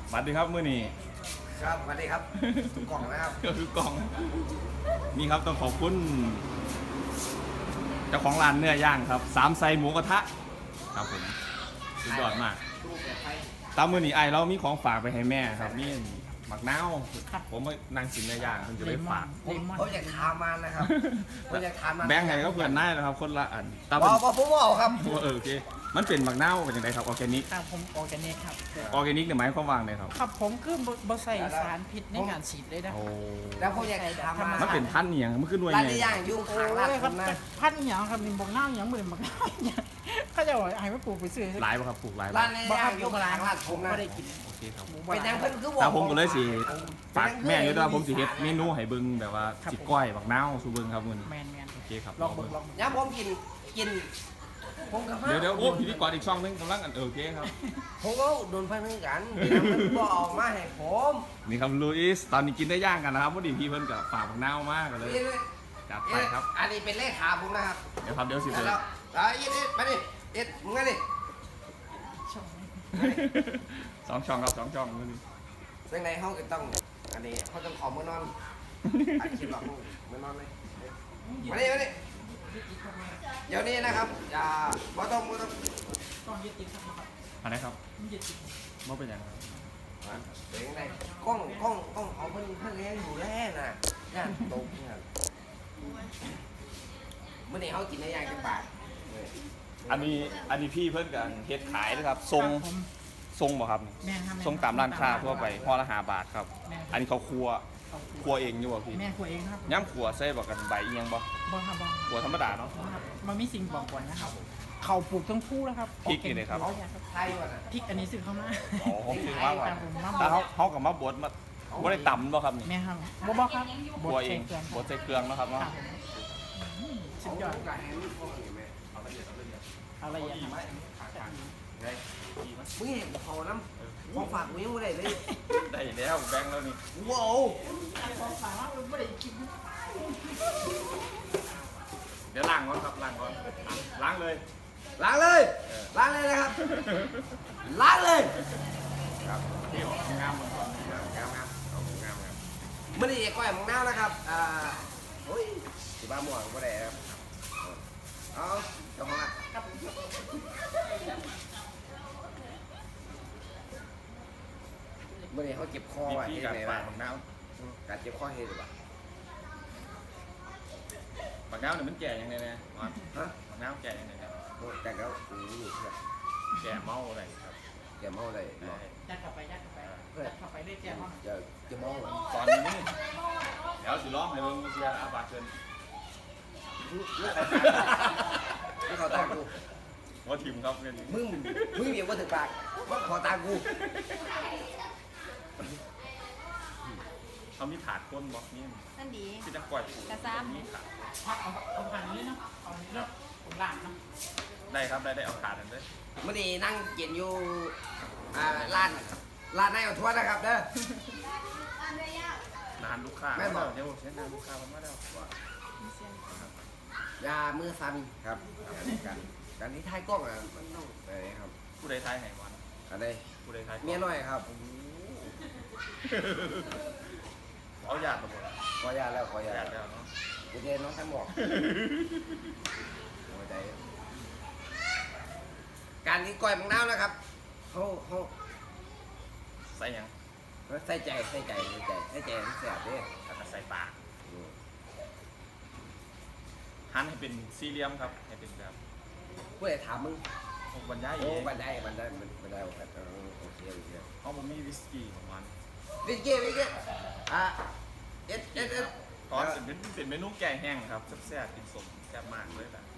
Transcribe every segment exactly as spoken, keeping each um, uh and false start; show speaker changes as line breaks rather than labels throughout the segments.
สวัสดีครับมื้อนี้
ครับสวัสดีครับกล่องนะครับ
ก็คือกล่องนี่ครับต้องขอบคุณเจ้าของร้านเนื้อย่างครับสามไซหมูกระทะครับผมสุดยอดมากตามมื้อนี้ไอเรามีของฝากไปให้แม่ครับนี่หมักนาวผมไปนั่งกินเนื้อย่างผมจะไปฝาก
ผมอยากทานมันนะครับผมอยากทานมัน
แบงค์ให้ก็เพื่อนได้นะครับคนละอัน
ตามผมผมบอกครับ
เออโอเคมันเป็นหมักนาวเป็นยังไงครับออร์แกนิก
ครับผมออร์แกนิกครับ
ออร์แกนิกเนี่ยหมายความว่าไงครับ
ครับผมคือบใส่สารพิษในการฉีดเลยนะ
แล้วผมอยากทำ
มันเป็นพันธุ์อย่างมันขึ้นด้วย
ไงร้านย่างยุ่งขางร้าน
ครับพันธุ์อย่างครับมีบอกหน้าอย่างเหมือนบอกหน้าอย่างเขาจะบอกให้มาปลูกไปซื้อ
หลายป่ะครับปลูกหลาย
ร้านย่างยุ่งขางร้านผม
ไม่ได้กิน
โอเคครับ
เป็นยังเพิ่นคือบอก
แต่ผมก็เลยสิฝากแม่อยู่ด้วยผมสิเฮ็ดเมนูให้เบิ่งแบบว่าสิก้อยบักนาวสู่เบิ่งครับมื้อนี้
แม่นๆ
โอเคครับ
ลองเบิ่งลอง
ย่าผมกินกิน
เดี๋ยวเดี๋ยวโอ้พิธีกรอีกช่องนึงกำลังอันโอเคครับ
ผมก็โดนพันเหมือนกันมันบอกออกมาให้ผม
นี่ครับลุยส์ตอนนี้กินได้ย่างกันนะครับพอดีพี่เพิ่นกับฝากบักนาวมากเลยจัดไปครับ
อันนี้เป็นเลขาผมนะครับ
เดี๋ยวครับเดี๋ยวสิ
เดี๋ยวแล้วอีนี่มาดิเอ็ดมึงไงดิ
สองช่องครับสองช่องมื้อนี้
ซึ่งในห้องก็ต้องอันนี้เขาต้องขอมือนอนอันคิดหลอกมือนอนเลยมาดิมาดิเดี๋ยวนี้นะครับอย่าบ่ต้องบ่ต้อง
ต้องยึดติดครับ
อะไรครับ
ยึดติด
บ่เป็นอย่างไร
เป็นยังไงกล้องกล้องกล้องเขาเพิ่นเพิ่นเลี้ยงอยู่แล้วน่ะย่านตกเนี่ยเมื่อนี้เขากินได้ยังจังบาท
อันนี้อันนี้พี่เพิ่นกันเฮ็ดขายนะครับทรงทรงบ่ครับทรงตามร้านค้าทั่วไปห่อละห้าบาทครับอันนี้เขาครัวครัวเองอยู่บ่พี่
แม่ครัวเองครับ
ย่ำครัวใส่บ่กันใบเอียงบ่
บ่ครับบ่
ครัวธรรมดาเนาะ
มันมีสิ่งบอกก่อนนะครับเขาปลูกทั้งคู่แล้วครับ
พริกนี่เลยครับ
ไทยว่ะ
พริกอันนี้ซื้อเข้ามา
อ๋อซื้อมาว่ะแต่เขาเขากับมาบดมาบ่ได้ตำบ่ครับนี่
แม่ครับบ่บ่ครับ
ครัวเองบดใส่เครื่องเนาะครับเนาะ
สุดยอดเอาละเอียด
มึงเห็นเขาน้ำของฝากมึงยังไม่ได้เลย
ได้แล้วแบงค์แล้วนี่
ว้าว
ของฝากเราไม่ได้กิน
เดี๋ยวล้างก่อนครับล้างก่อนล้างเลย
ล้างเลยล้างเลยนะครับล้างเลย
ครับที่ออกงามมันก่อนงามงามงามงาม
เมื่อนี้ก้อยมึงน้านะครับอ่าโอ้ยสิบ้าหมวกก็ได้ครับเอาเจ้าของอ่ะเมื่อนี้เขาเจ็บคอว่ะ
ที่การฝากบักนาว
การเจ็บคอเห็นหรือเปล่า
บักนาวเนี่ยมันแก่ยังไงเนี่ย
ฮะ
บักนาวแก่ยังไงครับ
แต่แล้วอู้อยู่เพื่อ
แก่เมาอะไรครับ
แก่เมาอะไร
ยัดเข้าไปยัดเข้าไปยัดเข้าไปได้แก่เมา
จะจะเมา
ตอนนี้เดี๋ยวสิร้องให้เบิ่งเสียอาบาเกิน
ไม่ขอตากู
ว่าทีมครับเนี่ย
มึงมึงเดี๋ยวว่าถึงปากว่าขอตากู
เขามีถาดก้นบล็อกนี่
นั่นดี
ที่จะปล่อย
กระซ้ำ
มีถาด
เอาเอาผ่านนี้เนาะเอาเลือกผมหลังนะ
ได้ครับได้ได้เอาถาดนั่นเลย
เมื่อนี้นั่งเย็นอยู่อ่าร้านร้านนายเอาทั่วนะครับเด้
อนานลูกค้า
ไม่บอก
เดี๋ยวเช่นนานลูกค้ามันไม่ได้
ยามือสั่นครับการการที่ท้ายกล้องอ่ะมันต้องอะไรครับ
ผู้ใดท้ายไหนวัน
อะไร
ผู้ใดท้าย
เมียน้อยครับ
เอาหยาดมาหมด
ขอหยาดแล้วขอหยาด
แล้วเนาะ
กูเจนน้องทั้งหมดหัวใจการนี้ก้อยมังน้ำนะครับเขาเขา
ใส่ยัง
ใส่ใจใส่ใจใส่ใจใส่ใจแสบด้วย
แล้วก็ใส่ปากหั่นให้เป็นสี่เหลี่ยมครับให้เป็นแบบ
ผู้ใดถามมึง
บรรยาย
โอ้บรรยายบรรยายบรรยายโอเคโอเคโอเค
เขาบอกมีวิสกี้ของมัน
วิสกี้วิสกี้อ่ะเอ็ดเอ็ดเอ็ด
ตอนเป็นเป็นเมนูแกงแห้งครับแซ่บๆกินสมแซ่บมากเลยแบบ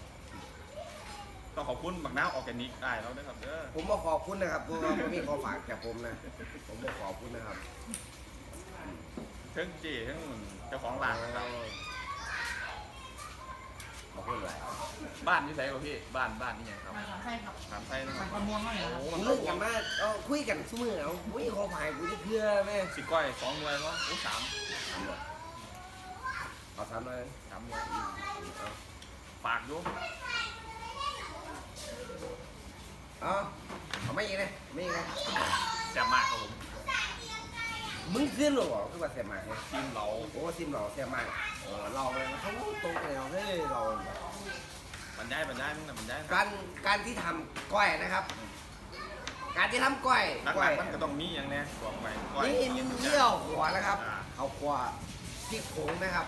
ต้องขอบคุณบักน้าวออร์แกนิกได้แล้วนะครับเด้อ
ผมบอกขอบคุณนะครับเพราะว่ามีของฝากจากผมนะผมบอกขอบคุณนะครับ
เทั้งจีทั้งเจ้าของร้านครับ
ขอบคุณหลาย
บ้านที่ไหนวะพี่บ้านบ้านนี่ยังครับ
ใช่ครับ
สามไส้นะครับ
มันม่วงเลย
โอ้มันลึกกันมากเอาคุยกันสู้มือเอาวิ่งขอผ่านกูจะเพื่อแม่
สิก้อยสองหน่วยวะโอ้สาม
เอาสามเลย
สามหน่วยฝากดู
อ๋อเอาไม่ยิงเลยไม่ยิงเลย
แซ่บมากครับผม
มึงขึ้นหรอคือว่าเสียมากเลย
ทีมเรา
โอ้ซิมเราเสียมากเออเราเลยเขาตรงเลยเฮ้ยเรา
บรรยายบรรยายมึงน่ะบรรยาย
การการที่ทำก้อยนะครับ การที่ทำก้อย
หลั
ก้อย
กๆมันก็ต้องมีอย่างเนี้ยบอกไปก้อย
นี่มีเยี่ยวหัวนะครับเอาขวาที่โขงนะครับ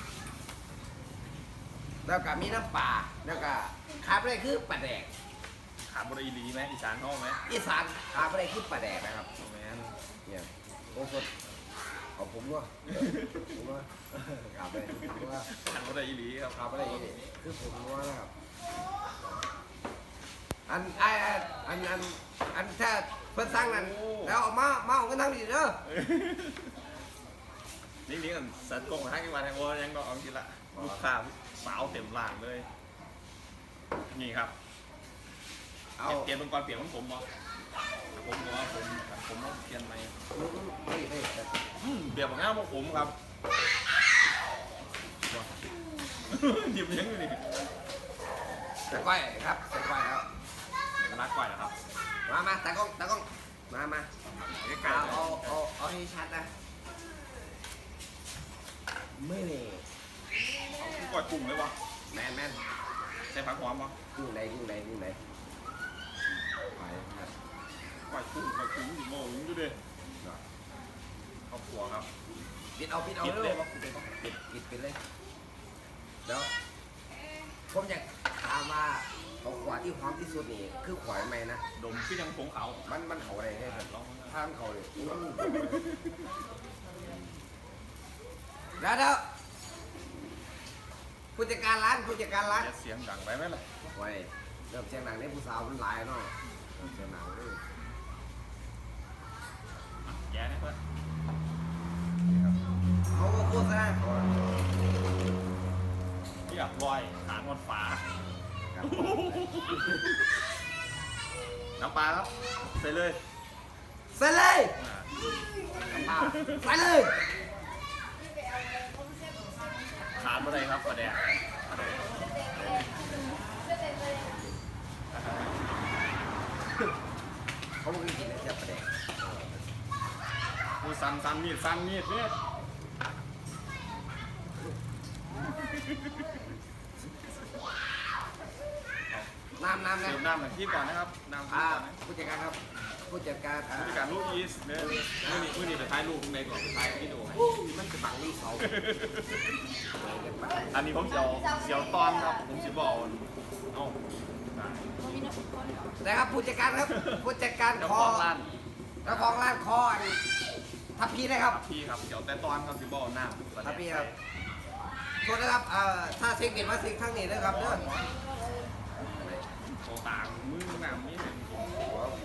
แล้วก็มีน้ำปลาแล้วก็ขาดไปเลยคือปลาแดก
ขาบุรีลีไหมอีสานห้องไหม
อีสานขาดไปเลยคือปลาแดกนะครับ
แมน
เนี่ยโอ้สดเอาผมด้วยผมด้วยขาดไปผมว่า
ขาบุรีลีครับ
ขาดไปเลยคือผมว่านะครับอันไออันอันอันถ้าเพิ่นสร้างนั้นแล้วเอามามาเอากันทั้งดีเด้อ
นี่นี่กันสัตว์กงให้กันมาแทนว่ายังก็เอาทีละลูกค้าสาวเต็มหลานเลยนี่ครับ
เอา
เปลี่ยนเป็นก่อนเปลี่ยนของผมบ่ผมว่าผมผมต้องเปลี่ยนไหม
เฮ้ยเฮ้ย
อืมเปลี่ยนของงานของผมครับหยิบยังอยู่นี่
ใส่ก้อยครับใส่ก้อยครับ
เดี๋ยวก็รักก่อนนะครับ
มามาตากล้องตากล้องมามา
ใกล้
เอา
ๆ
เอาเอาเอาให้ชัดนะไม่เลย
เอาที่ก่อยกุ้งเลยวะ
แมนแมน
ใส่ผักหอมปะ
กุ้งไหนกุ้งไหนกุ้งไหนไปครับ
ก่อยกุ้งก่อยกุ้งอยู่โม่ยดูดิครอบครัวครับ
ปิดเอาปิดเอา
ปิด
เล
เลย ยปะปิดเลยปะ
ปิดปิดปิดเลยเดี๋ยวผมอยากถามว่าของขวาที่หอมที่สุดนี่คือขวาไหมนะ
ดมที่ยังผงเขา
มันมันเขาอะไรให้ผม
ลอง
ถ้ามันเขาเลยแล้วเดี๋ยวผู้จัดการร้านผู้จัดการร้าน
อย่าเสียงดังไปไหมล่ะ
ไว้เริ่มเสียงหนังนี่ผู้สาวมันหลายเนาะเริ่มเสียงหนังเลย
แย่นะเพื่อน
เขาก็โฆษณาเขา
ที่อับลอยขานอนฟ้า
ครับ
น้ำปลาครับใส่เลย
ใส่เลย
อ่า
ใส่เลย
ขาดอะไรครับปลาแดกปลาแดก
เขาไม่กินเลยเสียประเด็น
ดูสันสันมีดสันมีดเนี่ย
น้ำน้ำ
เติ
นะ
มน้ำหน่อยที่ก่อนนะครับน้ำที่
อ่า
ก่อนนะ
ผู้จัดการครับผู้จัดการอ่า
ผู้จัดการลูกอีสเนี่ยมื่อนี้มื่อนี้ไปท้ายลูกในก่อนไปท้ายที่ดูให้
มันจะบังนี่เขา
อันนี้ผมเสียวเสียวตอนครับผมสิบอกเอ้า
นะครับผู้จัดการครับผู้จัดการ
เจ้า
ค
ข
อ
องร้าน
เจ้าของร้านคออันทับพีนะครับ
พี่ครับเสียวแต่ตอนครับสิบอกน้ำ
ทับพีครับโทษนะครับเอ่อถ้าเช็คเก็ตว่าเช็คข้างนี้นะครับเด้อ
โตต่างมือน้ำนี่เป็นผม
หัวหู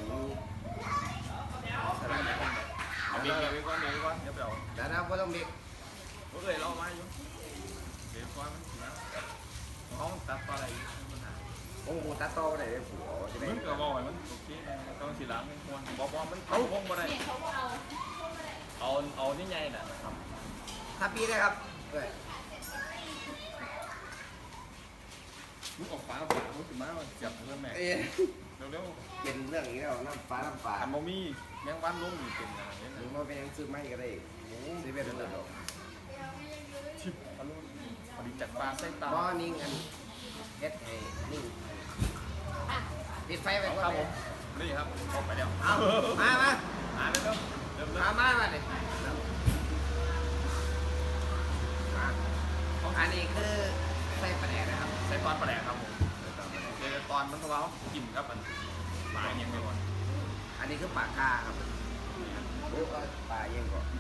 เอาเบียร์เบียร์ก่อนเบียร์ก่อนเดี๋ยวไปเอา
แต่นะไม่ต้องมี
เอ้ยเรามาอยู่เบียร์ก่อนมันนะห้องตัดต่ออะไรมันหา
โอ้โหตาโตไหนเลยผัวจะได้
มันก็บอกมันโอเคต้องสีหลังมันควรบอกว่ามันเอาพงมาได้เอาเอานี่ไงน่ะครับ
ทับพีนะครับเอ้ย
มึงออกฟ้าฝามึงถึงมาเจ็บเพื่อนแม่
เอ้ย
เร็ว
เป็นเรื่องอย่างนี้แล้วน้ำฟ้าน้ำฟ้า
ๆอันโมมี่แมงวันลุ่มเป็นอะไร
ห
เนี่ย
รือว่าเป็นยังซื้อไม่ก็ได้ซื้อเป็นเรื่อง
ชิบอารมณ์พอดีจัดปลาไส้ตา
บ่นิ่งอันเฮ็ดให้นิ่งปิดไฟไปก่อน
ครับ
เล
ผ
ย
มนี่ครับออกไปแล้ว
เอามามา
อ่านเลยครับเริ่มเริ่
มาม มามาเลยอันนี้คือไส้ปลาแดกนะครับ
ใส่ตอนปลาแดกครับผมเดี๋ยวตอนมันเขากินครับมันปลายังไม่หมด
อันนี้คือปลากาครับโอ้ปลาเยังก่อน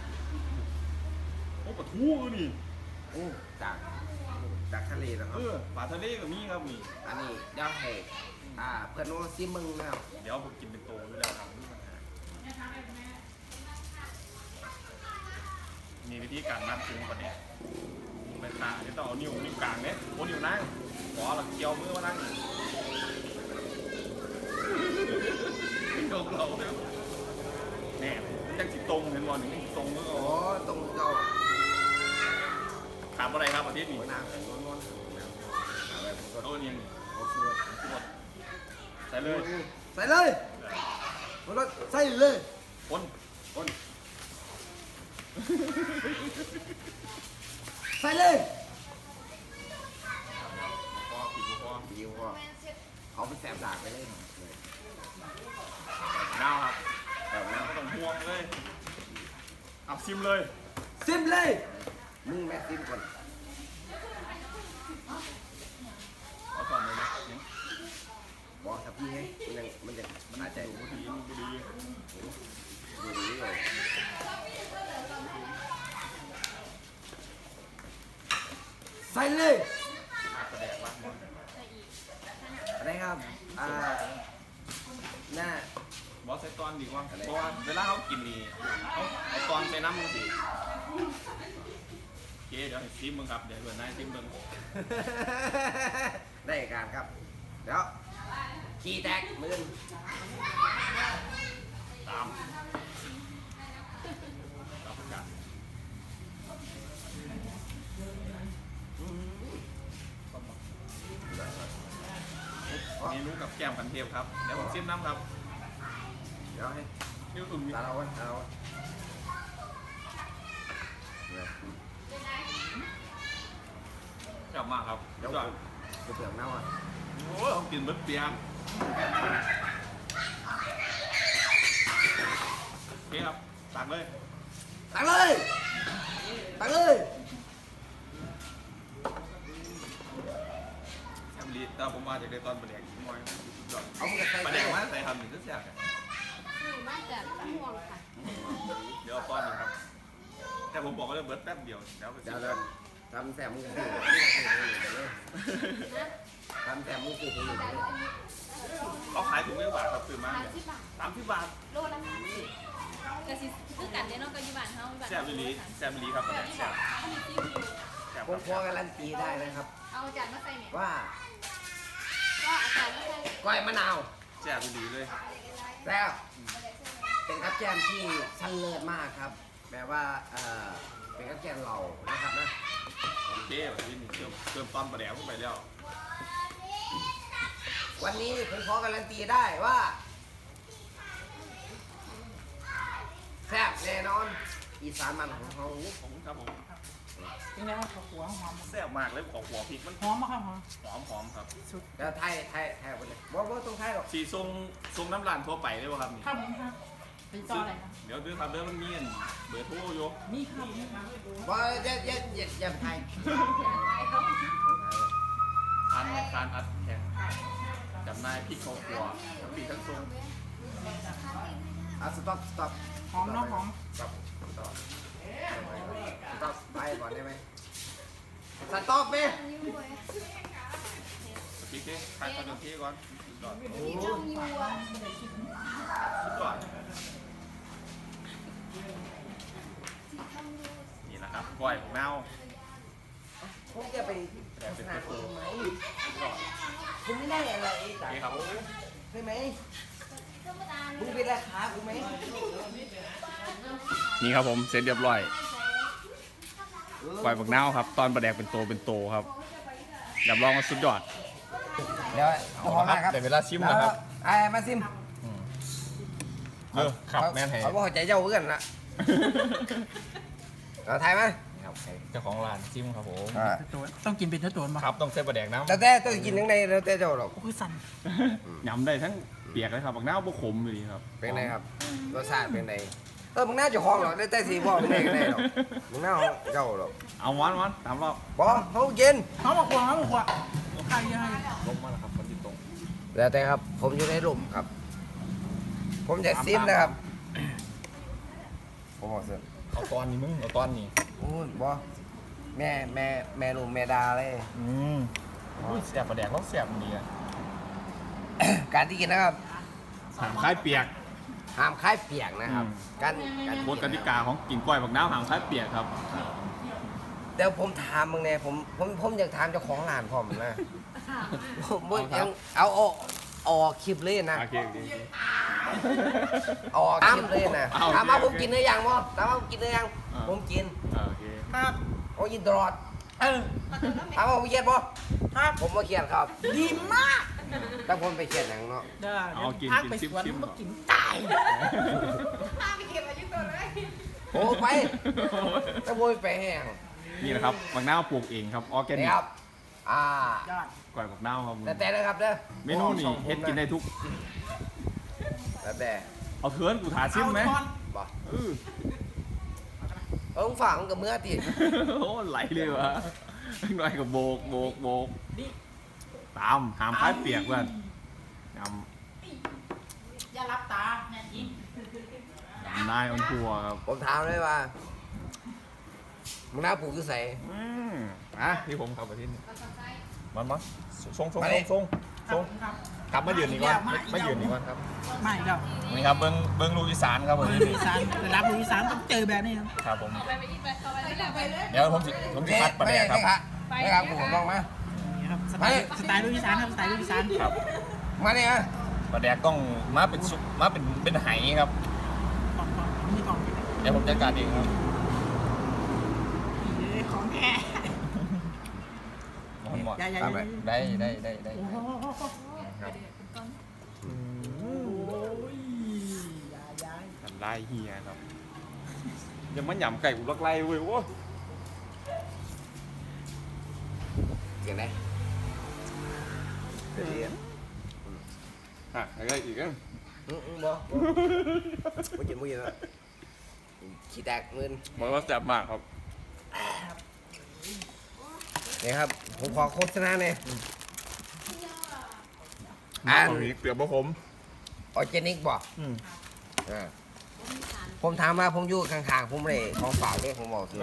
โอ้ปลาทูนี่
โอ้จากจากทะเลนะค
เอ
รับ
อปลาทะเลก็มีครับมี
อันนี้เดี๋ยวให้อ่าเพื่อนน้องซิมึงนะครับ
เดี๋ยวผมกินเป็นโตอยู่แล้วครับมีวิธีการนับถึงปลาแดกไปขาที่ต้องเอานิ้วนิ้วกลางเนี่ยโอ้นิ้วนั่งขอหลักเกี่ยวมือมานั่งโดนเราเนี่ยแน่มันจะจิตตรงเห็นบอลหนึ่งตรงมือ
โอ้ตรงเจ้า
ถามอะไรครับอาทิตย์นี้
หัวหน้าเป็นนวลๆอะไรผมก็
โอ้ยัง
โอ้สุด
หมดใส่เลย
ใส่เลยปรุงรสใส่เลย
คนคน
ใส่เลย
พอผิดพอ
ดีกว่าเขาเป็นแสบดากไปเลย
ดาวครับ
แบบนั้น
ไม่ต้องห่วงเลยเอาซิมเลย
ซิมเลยมึงแม่ซิมก่อน
เอาก่อนเลยนะ
บอกสักทีให้มันยังมันจะมันอาจจะ
ดูดีดูดี
ดูดีเลยใส่เลย
กระแดกวะ
อะไรครับอ่าหน้า
บอสใส่ตอนดีกว่าเพราะว่าเวลาเขากินนี่เขาเอาตอนใส่น้ำมึงสิโอเคเดี๋ยวให้ซิมมึงครับเดี๋ยวเพื่อนนายซิมมึง
ได้การครับเดี๋ยวขี้แตกมือ
ตามตามประกาศเมนูกับแก้มกันเทพครับเดี๋ยวผมซิมน้ำครับ
เดี๋ยวให้
นี่อุ่น
ตาเราไว้ตาเราไว้
ชอบมากครับ
เดี๋ยว
ชอบ
กูเปลือกเน่าอ่ะ
โอ้ยเขากินเบิดเปียงโอเคครับตักเลย
ตักเลยตักเลย
แอมลีแต่ผมมาจากในตอนประเดี๋ยวอีกหน่อยสุดยอด
เอามึงกระใส่
ประเดี๋ยวมาใส่ทำหนึ่งก็แซ่บกัน
คือมาจากม่วงค่ะ
เดี๋ยวเอาตอนหนึงครับ แต่ผมบอกว่าเบิร์ดแป๊บเดียวแล้วไป
เดี๋
ซิ
ยว
ม
เดี๋ยวทำแสบมือคือนี่คือคือเลยทำแสบมือคือคือเลย
เขาขายถุงเท่าบาทครับซื้อมา
สาม
เนี่ย
สิบบาท
สามสิบบาท
โลละสามสิบกะสิคือกันเด้เนาะกับอยู่บ้านเฮาบ้าน
แซ่บอีหลีแซ่บอีหลีครับประเดี๋ยวแซ่บ
มีซิมอยู่
แซ่บ
ผมพอการันตีได้นะครับ
เอาจานมาใส่เนี่ย
ว่า
ก็อาจารย์มาใส่
ก้อยมะนาว
แซ่บอีหลีเลย
แล้วเป็นกับแกล้มที่ชั้นเลิศมากครับแปลว่าเอ่อเป็นกับแกล้มเรานะครับนะ
โอเคแบบนี้เติมเติมตอนประเดี๋ยวเข้าไปแล้ว
วันนี้ผมขอการันตีได้ว่าแซ่บแน่นอนอีสานมันของเขา
ผมครับผม
เป็นไงครับข้าวหัวหอม
แซ่บมากเลยขอหัวพริกมัน
หอมมากครับหอม
หอมหอมครับ
สุด
แล้วไทยไทยไทยไปเลยว่าว่าตรงไทยหรอก
สีทรงทรงน้ำร้านทั่วไปเลยป่ะครับนี่
ครับผมครับเป็นต่ออะไรครับ
เดี๋ยวเดี๋ยวครับเดี๋ยวมันมีอันเบอร์โทรอยก
นี่ครับนี่ครับ
ว่าเย็ดเย็ดเย็ดเย็ดไทย
ทานทานอัดแข็งจำนายพริกเขาขัวทั้งปีทั้งทรง
อ่ะสต็อปสต็อป
หอมเนาะหอม
สต็อปสต็อปสต็อปไปก่อนได้ไหมสต็อปไหม
พริกเท่ทานขนมเท่ก่อนสุดยอด
โอ้
ช่องยูอ่ะ
สุดยอดนี่แหละครับก้อยของเน่า
ผมจะไปโฆษณาเองไหมคุณไม่ได้อะไรจากเขาใช่ไหมคุณเป็นราคาคุณไหม
นี่ครับผมเสร็จเรียบร้อยก้อยผักเน่าครับ ตอนประแดกเป็นโตเป็นโตครับรับรองว่าสุดยอด
เดี๋ยว
เอาละครับเดี๋ยวเวลาชิมนะครับ
ไอ้มาซิม
เออครับแม่นแห่
เขาบอกใจเจ้าเพื่อนละเราไทยไหม
ครับเจ้าของร้านชิมครับผม
ตัวต้องกินเป็นตัวตัวมา
ครับต้องใส่ประแดกน้ำ
แต่แต่ต้องกินทั้งในแล้วแต่เจ้าหรอก
โอ้ยสั่น
ยำได้ทั้งเปียกเลยครับผักเน่าบุขมอยู่ดีครับ
เป็นไงครับรสชาติเป็นไงเออมึงน่าจะห้องหรอกได้แต่สีบอกมึงได้ก็ได้หรอกมึงน่าห้องเจ้าหรอก
เอาวันวันตามรอบ
บอกเขากิน
หอมมากกว่าหอมมากกว่าใครยังไง
ลงมาแล้วครับคนที่ตรง
แล้วแต่ครับ ผมอยู่ในร่มครับ ผมจะซิมนะครับผมบอกเสร็จ
เอาตอนนี้มึงเอาตอนนี้
โอ้ยบอแม่แม่แม่ลุงแม่ดาเลย
อืมอุ้ยเสียบประแดกแล้วเสียบดีอะ
การที่กินนะครับ
หามคล้ายเปียก
ห้ามคล้ายเปียกนะครับ
อืม
การการ
กฎกติกาของกินกล้วยผักเน่าหามคล้ายเปียกครับ
เดี๋ยวผมถามมึงเนี่ยผมผมผมอยากถามเจ้าของร้านพร้อมนะผมผมยังเอาเอาออกคลิปเลยนะ
โอเคโอเค
ออกคลิปเลยนะ
เอาโอเค
ถามว่าผม
โอเค
กินหรือยังบ่ถามว่าผมกินหรือยัง
อ่า
ผมกิน
อ่าโอเค
ครับ
ผมกินตลอด
เออ
ถามว่าผมเครียดบ่
ครับ
ผมไม่เครียดครับ
ดีมาก
ดตั้งคนไปเขียนหนังเนาะ
เด้อ
เอากิน
พัก
กิน
ไป
ชิม
สวน
ชิม
มากินตาย
พาไปเก็บอายุตัวเลย
โอ้ไปตั้งคนไปแห้ง
นี่นะครับบักนาวปลูกเองครับออร์แกนิ
นี่
ก
ครับอ่าย
อด
ก่อยบักนาวครับ
แต่แต่นะครับเด้อ
เมนูนี่เฮ็ดกินได้ทุก
แต่แต่
เอาเถือนกูถาซิมไหม
เอาทอน
บอก
เออ
เออฝังกับเมื่อตี
โอ้ไหลเลยวะหน่อยกับโบกโบกโบก
นี่
ตามหามพายเปียกเพื่อนย
อย่ารับตาแน่จริง
ำยำนายออนทัวร์ครับ
ผมถามเลยว่ามึงน่าปลูกคือใส่
อืมอ่ะที่ผมขับไปที่นี่มันมั้งทรงทรง
มา
ท
ดิ
รงทรงทรง
ครับ
กลับมายืนนี่ก่อนไม่ไม่ยืนนี่ก่อนครับ
ไม่เด้อ
นี่ครับเบิ้งเบิ้งลูกอีสานครับผม
ลูกอีสานไปรับลูกอีสานต้องเจอแบบนี้ครับ
ครับผม
เอาไปไปอีกไปเอาไปเลยไปเลย
เดี๋ยวผมสิผมจะคัดประ
ไม่
เด็น
ได้
ครับ
ไม่ครับไม่ครับผมลองมา
นี่ครับสไตล์สไตล์ลูกอีสานครับสไตล์ลูกอีสาน
ครับ
มาเนี่ยฮะ
ประเด็นต้องมาเป็นซุปมาเป็นเป็นไหครับ
กล่องกล่องมีกล่องอยู่
เดี๋ยวผมจัดการเองครับ
นี่ของแท้
หมอนหมอน
อย่าอย่า
ตามไป
ได้ได้ได้ได้
โอ้โห
ครับ
โอ้ยอย่าอย่า
ทำลายเฮียครับยังมันหยำไก่อุลักไล่เว้ยโว้ย
เสียงไหน
อ่ะอะไรอีกอ่ะ
อืมอืมบ่ไม่กินไม่กินแล้วขี้แตกมืน
บอกว่าแซ่บมากครับ
นี่ครับผมขอโฆษณาหน่อย
อ่านนี้เปลือกบะผม
ออร์แกนิกบอก
อืม
อ่าผมถามมาผมอยู่ข้างๆผมเลยของฝากเลยผมบอกคือ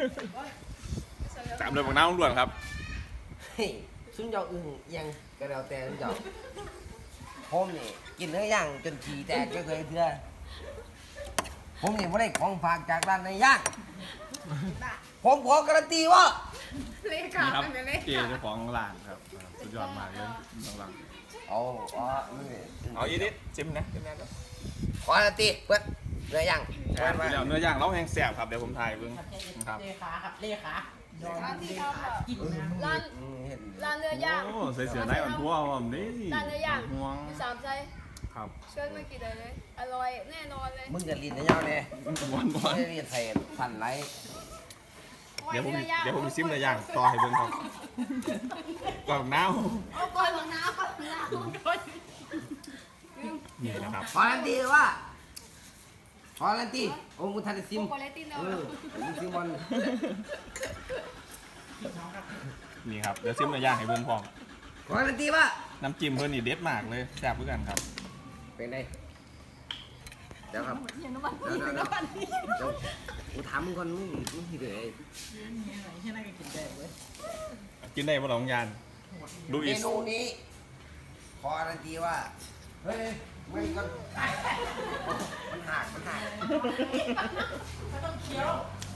ตามเลยบอกน้ำล้วนครับ
เฮ้ยซุนเจ้าอึ้งยังกระเดาแต่ซุนเจ้าผมนี่กินเนื้อย่างจนขี้แตกก็เคยเพื่อผมนี่ไม่ได้ของฝากจากร้านในย่างผมขอการันตีว่า
เลขา
นี่ครับ
ไปเลย
เจเจ้าของร้านครับสุดยอดมากเลยน้องรัง
เอาเอานี่
เอาอีนิดจิ้มนะจิ้มนะ
ขอการันตีเพื่อนเนื้อย่าง
อ่านไปแล้วเนื้อย่างเราแห้งแซ่บครับเดี๋ยวผมถ่ายเพิ่งครับ
เลขาครับเลขายอมเลขากินนะ
ร้าน
อืมเห็น
ร้านเนื้อย่าง
โอ้ใส่เสือได้อ่อนทั่วผมนี่
ร้านเนื้อย่าง
ห่วง
อยู่สามใจ
ครับ
เชิญมากินได้เลย อร่อยแน่นอนเลย
มึงจะลีนเนื้อย่างเนี่ย
หวานหวาน
ไม่ได้ลีนใส่สั่นไร
เดี๋ยวผมเดี๋ยวผมซิมเนื้อย่างต่อให้เพิ่งครับก่อนน้า
เอาก่อนบางน้ำก่อนบางน้ำ
นี่นะครับ
ขอการันตีว่าขอการันตีโอ้มึงทันได้ซิม
โกเลตินแล้ว
เออมึงซิมบอล
นี่ครับเดี๋ยวซิมเนื้อย่างให้เพิ่งพร้อม
ขอการันตีว่า
น้ำจิ้มเพิ่นนี่เด็ดมากเลยแซ่บเหมือนกันครับ
เป็นไงเดี๋ยวครับ
เห็นน้ำมัน
เดี๋ยวเดี๋ยวเดี๋ยวเดี๋ยวกูถามมึงก่อนมึงมึงที่ไหน
นี่อะไรที่นั่นก็กินได้เว้ย
กินได้บ่หลงยานดู
เม
อีส
นูนี้ขอการันตีว่าเฮ้ยมึงก็มันหักมันหัก
ไม่ต้องเคี้ยว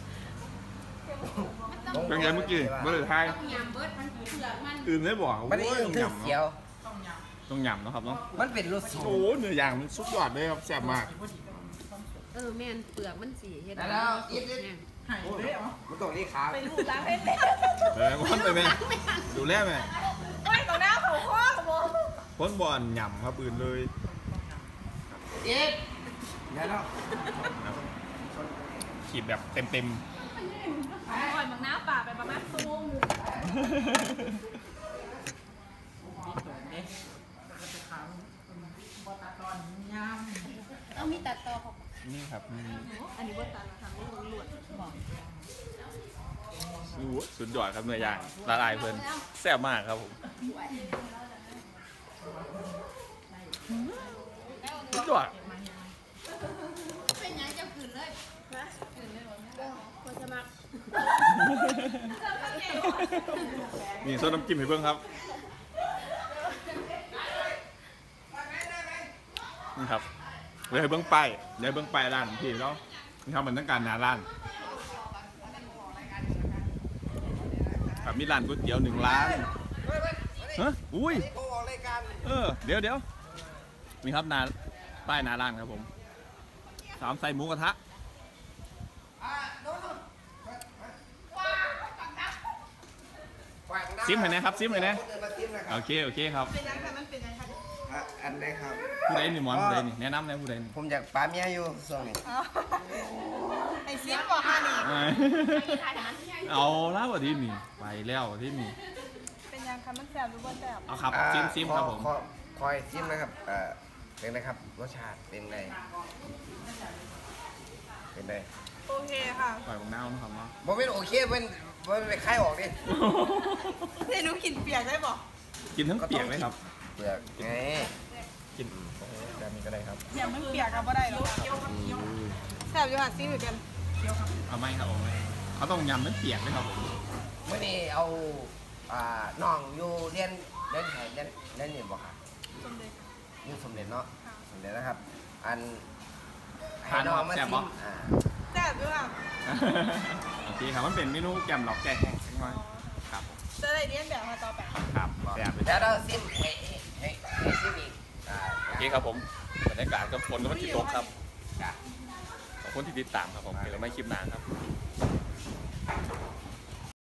เป็นไงเมื่อกี้เมื่อไหร่ทาย
ต้องยำเบิร์ดมันเผือกมัน
อื่นได้บ่
มันได้
โอ้ย
ยิน
ต้อง
คือ
หยำ
เสียว
ต้องย
ต้องหยำเนาะครับเนาะ
มันเป็นรสสู
โอ้เนื้อย่างมันสุดยอดเลยครับแซ่บมาก
เออแม่นเปลือกมันสีเห็ด
แล้วอีกนิด
หายเลยเหรอ
มันต้องเรียกขา
ไปลูกล้างให้เต็ม
เออคนไปไหมดูแลไหม
โอ้ยต่อหน้าเขาข้อกับโม
คนบ่อนหยำครับอื่นเลย
อีกเดี๋ยวเรา
ขีดแบบเต็มเต็ม
ก่อนบางน้ำป่าไปประมาณชั่วโมงหนึ่ง
เด็กก็จะขาวบอตัดตอนย
เอามีตัดต่อของ
ๆนี่ครับนี่
อันนี้ว่าตัดมาทำนี่หลวดบอก
ดูสุดยอดครับเนื้อย่างละลายเพลินแซ่บมากครับผมสุดยอด
เป็นยังจะขืนเลยฮะขืนเลยหรอควรจะมา
นี่ซดน้ำจิ้มให้เพิ่งครับนี่ครับเดี๋ยวให้เบิ้งไปเดี๋ยวให้เบิ้งไปร้านพี่แล้วนี่ครับมันต้องการหนาร้านครับมีร้านก๋วยเตี๋ยวหนึ่งร้านฮะอุ้ย
นี่เขาออกรายการ
เออเดี๋ยวเดี๋ยวมีครับนาป้ายหนาร้านครับผมสามใส่หมูกระทะ
อ่าโน่นโน่นฝากน้
ซิมเห็นไหมครับซิมเห็นไหม
เดินมาซิมนะครั
โอบ เคโอเคครับ
เป็นยังไงมันเป็นยังไง
อ่ะอันไหนครับ
ผู้ใดนี่หมอนผู้ใดนี่แนะนำเลยผู้ใดนี่
ผมอยากปาเมียอยู่ส่วงนี้
ไอ้ซิมบอกค่ะนี่
เอ้ยเอาแล้ววันที่นี่ไปแล้ววันที่นี่
เป็นยังคะมันแสบหรือว่าแสบ
เอาครับ
อ่า
ซิมซิมครับผม
ขอคอยซิมนะครับเอ่อเป็นนะครับรสชาติเป็นไงเป็นไง
โอเคค่ะ
ปล่อยของน้านะครับเนาะ
บ่เป็นโอเคเป็นบ่เป็นไปคายออกดิ
เดี๋ยวหนูกินเปียกได้บอก
กินทั้งเปียกเลยครับ
เปลือกไง
กินโอ้โหแบบนี้ก็ได้ครับ
เปียกมันเปียกกับว่าได้หรอแสบอยู่ค่ะซิมเหมือนกัน
เอาไหมครับเอาไหมเขาต้องยำทั้งเปียกเลยครับผม
เมื่อนี้เอาอ่าน้องอยู่เรียนเรียนไหนเรียนเรียนนี่บ่ค่ะ
สมเด็จ
อยู่สมเด็จเนาะสมเด็จนะครับ อัน
ทาน
น้องมา
แซ่บ
ซิ
บ่
มอ่า
แสบอยู่ค่ะ
โอเคครับมันเป็นเมนูแกมหลอกแกงแห้งสักหน่อยครับ
จะได้เรียนแบบมาต่อไป
ครับแซ่บเลย
แล้วเราซิมให้ให้ให้ซิมอีกอ่า
โอเคครับผมบรรยากาศกับฝนก็มันติดตกครับ
จ้ะ
ขอบคุณที่ติดตามครับผมเดี๋ยวเราไม่คลิปหนานครับ